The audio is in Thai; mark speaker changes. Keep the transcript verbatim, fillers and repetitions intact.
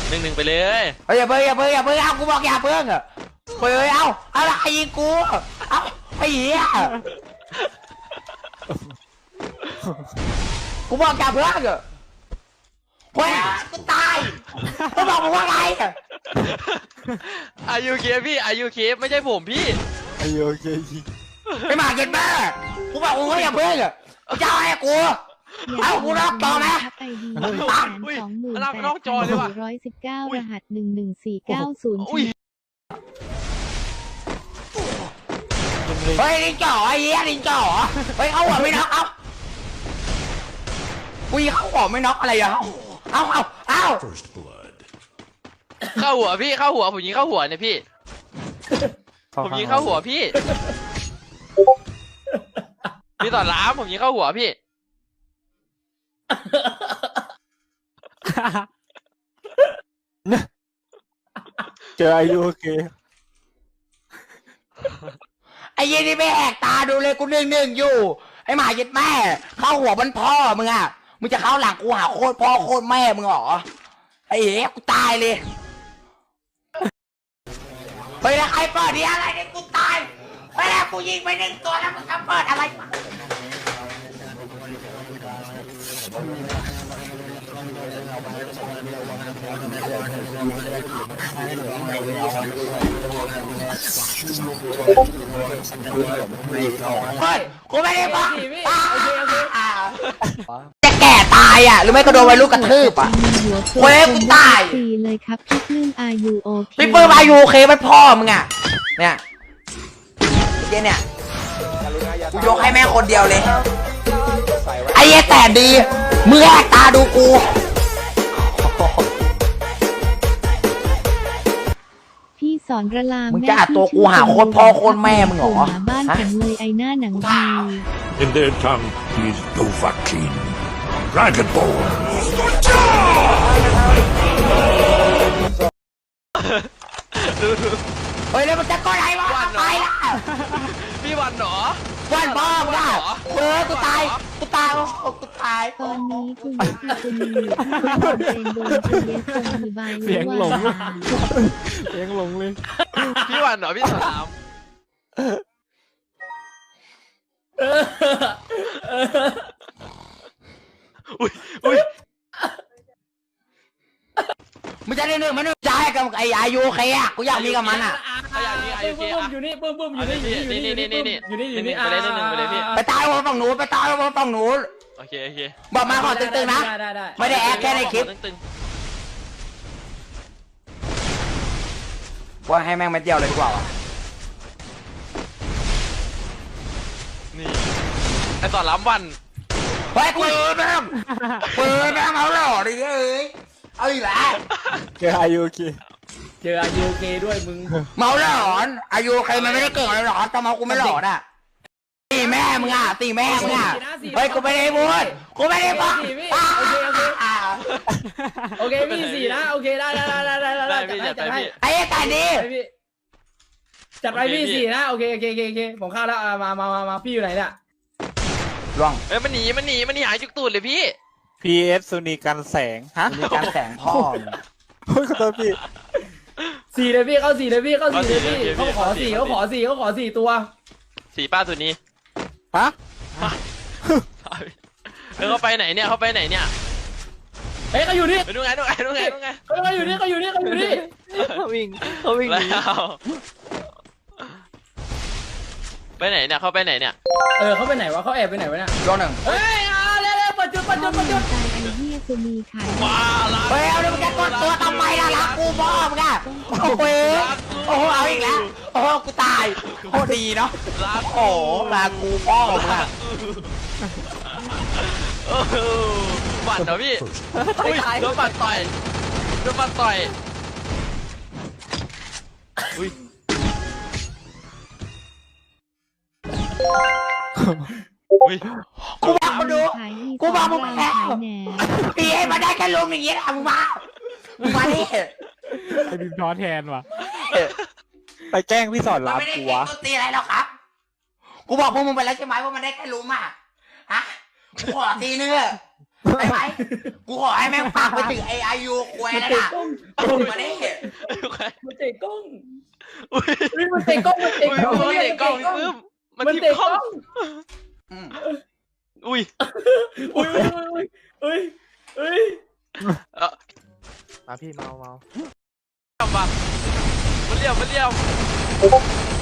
Speaker 1: หนึ่งหนึ่งไปเลย
Speaker 2: เฮ้ยอย่าเพิ่งอย่าเพิ่งอย่าเพิ่งเอากูบอกอย่าเพิ่งเฮ้ยเอาอะไรยิงกูเอาไอ้เหี้ยกูบอกอย่าเพิ่งเฮ้ยกูตายกูบอกมึงว่าไง
Speaker 1: อายุเคพี่อายุเคไม่ใช่ผมพี่
Speaker 3: อายุโอเค
Speaker 2: ไม่มาเก็ตแม่กูบอกมึงว่าอย่าเพิ่งกูจะเอาให้กูเอากูรับต่อไหม
Speaker 4: ไอดีแสนสองหมื่นแปดพันสี่ร้อยสิบเก้ารหัสหนึ่งหนึ่งสี่เก้าศูนย์
Speaker 2: เฮ้ยลิงจ่อไอ้เหี้ยลิงจ่อเฮ้ยเอาหัวไม่น็อกเอากูยิงเข้าหัวไม่น็อกอะไรอ่ะเอาเอาเอา
Speaker 1: เข้าหัวพี่เข้าหัวผมยิงเข้าหัวเนี่ยพี่ผมยิงเข้าหัวพี่พี่ต่อล้ามผมยิงเข้าหัวพี่
Speaker 3: เจออายุโอเค
Speaker 2: ไอ้ยี่นี่ไม่แหกตาดูเลยกูหนึ่งหนึ่งอยู่ไอ้หมาเย็ดแม่เข้าหัวมันพ่อมึงอ่ะมึงจะเข้าหลังกูหาโคตรพ่อโคตรแม่มึงเหรอไอ้เหี้ยกูตายเลยเฮ้ยแล้วใครเปิดดีอะไรเนี่ยกูตายเฮ้ยแล้วกูยิงไปหนึ่งตัวแล้วมึงจะเปิดอะไรเฮ้ยกูไม่ได้บอกจะแก่ตายอ่ะหรือไม่ก็โดนวัยรุ่นกระทืบอ่ะเว้ยกูตาย
Speaker 4: ตีเลยครับพี่ปลื้มอายุโอเค
Speaker 2: พี่เปิ้ลอายุโอเคมันพ่อมึงอ่ะเนี่ยเจ๊เนี่ยกูยกให้แม่คนเดียวเลยไอ้เหี้ยแต่ดีมึงแหกตาดูกู
Speaker 4: พี่สอนระลาม
Speaker 2: มึงจะอัดตัวกูหาโคตรพ่อโคตรแม่มึงเหรอ
Speaker 4: หาบ้านผมเลยไอหน้าหนังดี
Speaker 5: In their tongue, he is Dovahkiin, Dragonborn.
Speaker 2: เฮ้ยแล้วมันจะก้อนอะไรวะไปละ
Speaker 1: พี่วันเหรอ
Speaker 2: วันพ่อมึงอ่ะเออกูตายกูตายโอ้กูตาย
Speaker 4: ตอนนี้คุณยักษ์คุณมีความเป็นโดนเยสคงมีใบ
Speaker 3: เสียงหลงเสียงหลงเลย
Speaker 1: พี่วันเหรอพี่ต่อล้ามอุ้ยอุ้ย
Speaker 2: มึงจะได้หนึ่งมันหนึ่งใจกับไอ้อายุโอเคอ่ะกูอยากมีกับมันอ่ะ
Speaker 1: เขาอย่างนี้อายุเคอ่ะ
Speaker 6: อยู่นี่บึ้มบึ้มอยู่นี่อยู่นี่
Speaker 1: นี่นี่นี่นี่
Speaker 6: อยู่นี่อยู่นี่
Speaker 1: ไปเลยหนึ่งไปเลยพี่
Speaker 2: ไปตายบนฝั่งนู้นไปตายบนฝั่งนู้น
Speaker 1: โอเคโอเค
Speaker 2: บอกมาขอตึงๆนะ
Speaker 6: ได้ได้ได้
Speaker 2: ไม่ได้แอคแค่ในคลิป
Speaker 1: ตึง
Speaker 2: ว่าให้แม่งมาเดียวเลยดีกว่าวะ
Speaker 1: ๆนี่ไอต่อล้ามวัน
Speaker 2: เฮ้ยกูเปิดแม่งเปิดแม่งเอาหล่อดิเอ้ยเอาอีกแล้ว
Speaker 3: เจออายุโอเค
Speaker 6: เจออายุโอเคด้วยมึง
Speaker 2: เมาหลอนอายุใครมันไม่ได้เก่งอะไรหรอกแต่เมากูไม่หลอนอ่ะตีแม่มึงอ่ะตีแม่มึงอ่ะเฮ้ยกูไม่ได้พูดกูไม่ได้พูด
Speaker 6: โอเคพี่สี่นะโอเคได้ได้ได้ได้ได้
Speaker 1: ได้
Speaker 6: จั
Speaker 1: พี่
Speaker 6: ด
Speaker 1: จัดไป
Speaker 6: ให้
Speaker 1: พี่
Speaker 2: ไอ้แต่ดี
Speaker 6: พี่จัดไปพี่สี่นะโอเคโอเคโอเคโอเคผมเข้าแล้วมามามามาพี่อยู่ไหนเนี่ย
Speaker 2: ล่วง
Speaker 1: เอ้ยมันหนีมันหนีมันหนีหายจุกตูดเลยพี่
Speaker 3: พี เอส สุนีกันแสงฮะ
Speaker 2: มีการแสงพ่อมึง
Speaker 3: โอ้ยขอโทษพี่
Speaker 6: สี่เลยพี่เข้าสี่เลยพี่เข้าสี่เลยพี่เขาขอสี่เขาขอสี่เขาขอสี่ตัว
Speaker 1: สีป้าตัวนี้
Speaker 3: ฮะ
Speaker 1: แล้วเขาไปไหนเนี่ยเขาไปไหนเนี่ย
Speaker 6: เฮ้ยเขาอยู่นี่
Speaker 1: ไปดูไงดูไงดูไงดูไง
Speaker 6: เขาอยู่นี่เขาอยู่นี่เขาอยู่นี่
Speaker 3: เขาวิ่งเขาวิ่ง
Speaker 1: แล้วไปไหนเนี่ยเขาไปไหนเนี่ย
Speaker 6: เออเขาไปไหนวะเขาแอบไปไหนวะเนี่ย
Speaker 2: ล่วงหนึ่ง
Speaker 6: เฮ้ยเอาเร็วเร็วปัจจุปัจจุปัจจุ
Speaker 4: ตายไอเหี้ยสุนีขาย
Speaker 1: ว้าละ
Speaker 2: เฮ้ยเอาดิมึงจะกดตัวทำไมล่ะรักกูพ่อมึงอ่ะโอ้โหโอ้โหเอาอีกแล้วโอ้โหกูตายโคตรดีเนาะ
Speaker 1: รัก
Speaker 2: โอ้โหรักกูพ่อมึงอ่ะ
Speaker 1: โอ้โหบัตรเหรอพี่อุ้ยโดนบัตรต่อยโดนบัตรต่อยอุ้ย อุ้ย
Speaker 2: กูบอกมาดู
Speaker 4: ขายดี
Speaker 2: กูบอกมึง
Speaker 4: ขาย
Speaker 2: แล้ว
Speaker 4: ขายแหน
Speaker 2: พี่ให้มาได้แค่ลมอย่างนี้แหละมึงมามึงมาดิ
Speaker 3: ไอ้บิมท้อแทนว่ะไปแกล้งพี่สอน
Speaker 2: มัน
Speaker 3: รับ
Speaker 2: ไม่ได้
Speaker 3: กู
Speaker 2: เก่ง
Speaker 3: วะ
Speaker 2: ตัวตีอะไรหรอกครับ กูบอกพวกมึงไปแล้วใช่ไหมว่ามันได้แค่ลุมอ่ะฮะกูขอทีนึงเถอะไอ้ไหมกูขอให้แม่งฝากไปถึงไอไอยูควยนั่นน่ะมาดิ
Speaker 6: มันเตะกล้อง
Speaker 1: อุ้ย
Speaker 6: เฮ้ยมันเตะกล้องมันเตะ
Speaker 1: อุ้ย
Speaker 6: กล้อง
Speaker 1: มันเตะกล้องพี่ปื้มมัน
Speaker 6: มัน
Speaker 1: ทิ่ม
Speaker 6: เตะ
Speaker 1: ก
Speaker 6: ก
Speaker 1: ล้
Speaker 6: ล้
Speaker 1: อ
Speaker 6: อง ง
Speaker 2: อืม
Speaker 1: อุ้ย
Speaker 6: อุ้ยอุ้ยอุ้ยอุ้ย
Speaker 1: เออ
Speaker 3: มาพี่เมาเมา
Speaker 1: ทำบัตรมันเลี้ยวมันเลี้ยว